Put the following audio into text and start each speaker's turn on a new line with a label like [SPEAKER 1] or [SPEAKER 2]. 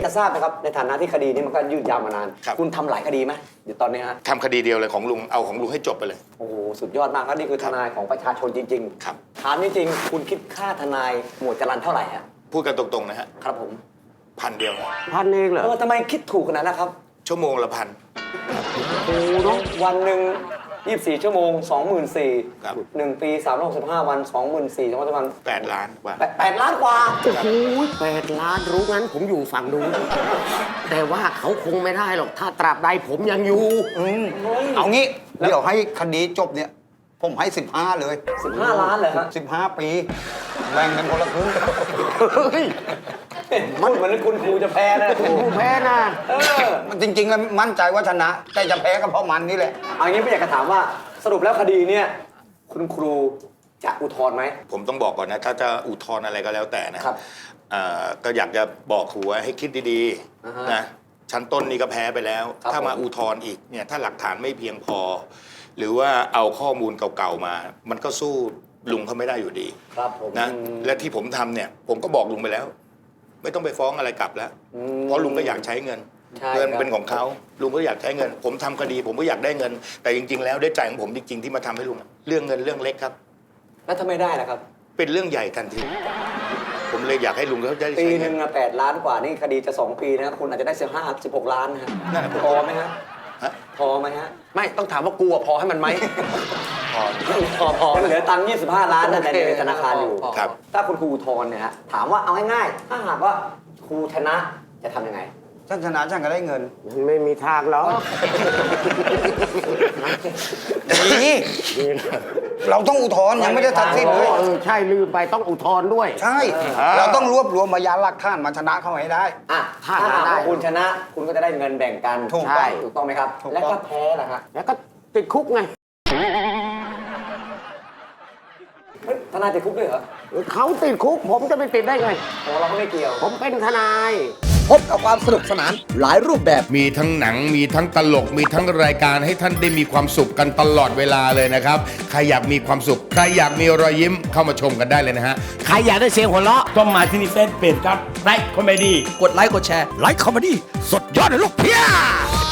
[SPEAKER 1] จะทราบนะครับในฐานะที่คดีนี้มันก็ยืดยาวมานานคุณทำหลายคดีไหมเดี๋ยวตอนนี้ฮะ
[SPEAKER 2] ทำคดีเดียวเลยของลุงเอาของลุงให้จบไปเลย
[SPEAKER 1] โอ้โหสุดยอดมากครับนี่คือทนายของประชาชนจริงๆ
[SPEAKER 2] ครับ
[SPEAKER 1] ถามจริงๆคุณคิดค่าทนายหมวดจรัญเท่าไหร่ฮะ
[SPEAKER 2] พูดกันตรงๆนะฮะ
[SPEAKER 1] ครับผม
[SPEAKER 2] 1,000 เดียว
[SPEAKER 3] 1,000เองเหรอ
[SPEAKER 1] ทำไมคิดถูกขนาดนั้นครับ
[SPEAKER 2] ชั่วโมงละ1,000
[SPEAKER 1] โอ้โหวันหนึ่ง24 ชั่วโมง 24,000
[SPEAKER 2] ครับ
[SPEAKER 1] 1 ปี 365 วัน 24,000 2 วัน
[SPEAKER 2] 8 ล้านกว่า
[SPEAKER 1] 8 ล้านกว่า
[SPEAKER 3] โอ้โห8 ล้านรู้งั้นผมอยู่ฝั่งนู้นแต่ว่าเขาคงไม่ได้หรอกถ้าตราบใดผมยังอยู่
[SPEAKER 4] เอางี้เดี๋ยวให้คดีจบเนี่ยผมให้15เลย
[SPEAKER 1] 15 ล้านเลยฮะ
[SPEAKER 4] 15 ปีแบ่งกันคนละครึ่ง
[SPEAKER 1] มันเหมือนคุณครูจะแพ้นะคุณ
[SPEAKER 3] ผู้แพ้นะ
[SPEAKER 4] จริงๆแล้วมั่นใจว่าชนะ แต่จะแพ้ก็เพราะมันนี่แหละ
[SPEAKER 1] เอางี้ไม่อยากจะถามว่าสรุปแล้วคดีเนี่ยคุณครูจะอุทธรณ์ไหม
[SPEAKER 2] ผมต้องบอกก่อนนะถ้าจะอุทธรณ์อะไรก็แล้วแต่นะครับก็อยากจะบอกครูว่าให้คิดดีๆนะชั้นต้นนี่ก็แพ้ไปแล้ว ถ้ามาอุทธรณ์อีกเนี่ยถ้าหลักฐานไม่เพียงพอ หรือว่าเอาข้อมูลเก่าๆมา มันก็สู้ลุงเขาไม่ได้อยู่ดี
[SPEAKER 1] ครับผม
[SPEAKER 2] นะและที่ผมทำเนี่ยผมก็บอกลุงไปแล้ว ไม่ต้องไปฟ้องอะไรกลับแล้วเพราะลุงก็อยากใช้เงิน เงินเป็นของเขาลุงก็อยากใช้เงิน ผมทำคดีผมก็อยากได้เงิน แต่จริงๆแล้วด้วยใจของผมจริงๆที่มาทำให้ลุงเรื่องเงินเรื่องเล็กครับ
[SPEAKER 1] แล้วถ้าไม่ได้ล่ะครับ
[SPEAKER 2] เป็นเรื่องใหญ่ทันทีผมเลยอยากให้ลุงเขาได้
[SPEAKER 1] ปี
[SPEAKER 2] ใช้
[SPEAKER 1] ห
[SPEAKER 2] เงิ
[SPEAKER 1] นึ่
[SPEAKER 2] น
[SPEAKER 1] งอะ8 ล้านกว่านี่คดีจะ2 ปีนะคุณอาจจะได้16 ล้านนะฮะ
[SPEAKER 2] นั่นแหละ
[SPEAKER 1] พอไหมฮะ
[SPEAKER 2] ฮะ
[SPEAKER 1] พอไหมฮะ
[SPEAKER 3] ไม่ต้องถามว่ากลัวพอให้มันไหม
[SPEAKER 2] พอ
[SPEAKER 1] ยังเหลือตังค์25 ล้านนั่นในธนาคารอยู่
[SPEAKER 2] ครับ
[SPEAKER 1] ถ้าคุณครูอุทธรณ์เนี่ยฮะถามว่าเอาง่ายๆถ้าหากว่าครูชนะจะทำยังไง
[SPEAKER 4] ฉันชนะฉันก็ได้เงิน
[SPEAKER 3] มันไม่มีทางหรอก
[SPEAKER 4] นี่เราต้องอุทธรณ์ยังไม่ได้ตัดสินเลย
[SPEAKER 3] ใช่ลืมไปต้องอุทธรณ์ด้วย
[SPEAKER 4] ใช่ เราต้องรวบรวมพยานหลักฐานมาชนะเขาให้ได้
[SPEAKER 1] อ่ะ
[SPEAKER 3] ถ้า
[SPEAKER 1] ถ้าหาก
[SPEAKER 3] ได้
[SPEAKER 1] ว่าคุณชนะคุณก็จะได้เงินแบ่งกัน
[SPEAKER 4] ถูก
[SPEAKER 3] ใช่
[SPEAKER 1] ถูกต้องไหมครับ
[SPEAKER 4] ถูกต้อง
[SPEAKER 1] และถ้าแพ้ล่ะฮะ
[SPEAKER 3] แล้วก็ติดคุกไง
[SPEAKER 1] เฮ้ยทนายติดคุกด้วยเหรอ
[SPEAKER 3] เขาติดคุกผมจะไปติดได้ไง
[SPEAKER 1] โอ้เราก็ไม่เกี่ยว
[SPEAKER 3] ผมเป็นทนาย
[SPEAKER 5] พบกับความสนุกสนานหลายรูปแบบ
[SPEAKER 6] มีทั้งหนังมีทั้งตลกมีทั้งรายการให้ท่านได้มีความสุขกันตลอดเวลาเลยนะครับใครอยากมีความสุขใครอยากมีรอยยิ้มเข้ามาชมกันได้เลยนะฮะ
[SPEAKER 3] ใครอยากได้เสียงหัวเราะ
[SPEAKER 7] ต้องมาที่นี่เฟซเพจครับไลค์คอมเมดี้
[SPEAKER 5] กดไลค์กดแชร์
[SPEAKER 3] ไลค์คอมเมดี้สดยอดเลยลูกเพีย